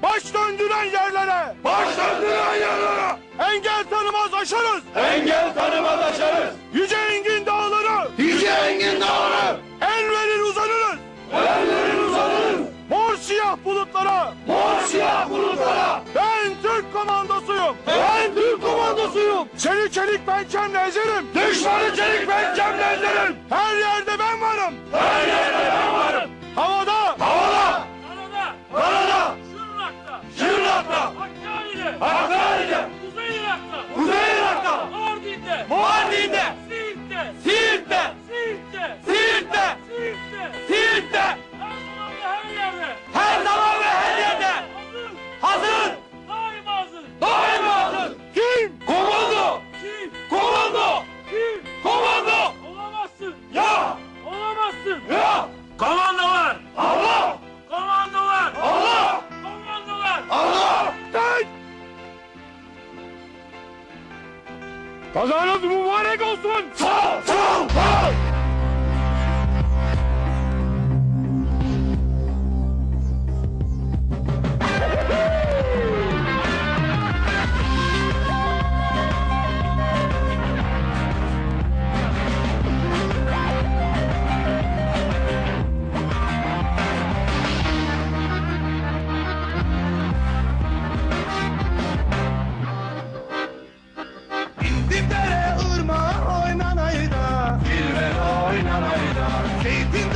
baş döndüren yerlere, engel tanımaz aşarız, yüce engin dağları, el verir uzanırız, mor siyah bulutlara, ben Türk komandosuyum, seni çelik pençemle ezerim, her yerde ben varım, havada, Şırnak'ta, Hakkari'de, Kuzey Irak'ta, Mardin'de, Siirt'te, her zaman ve her yerde, hazır, daima hazır. kim? Komando! Ya! Komandolar! Allah! Tek! Kazanız mübarek olsun! Sağ ol! İndim dere ırmağa oynanayda, Zeytin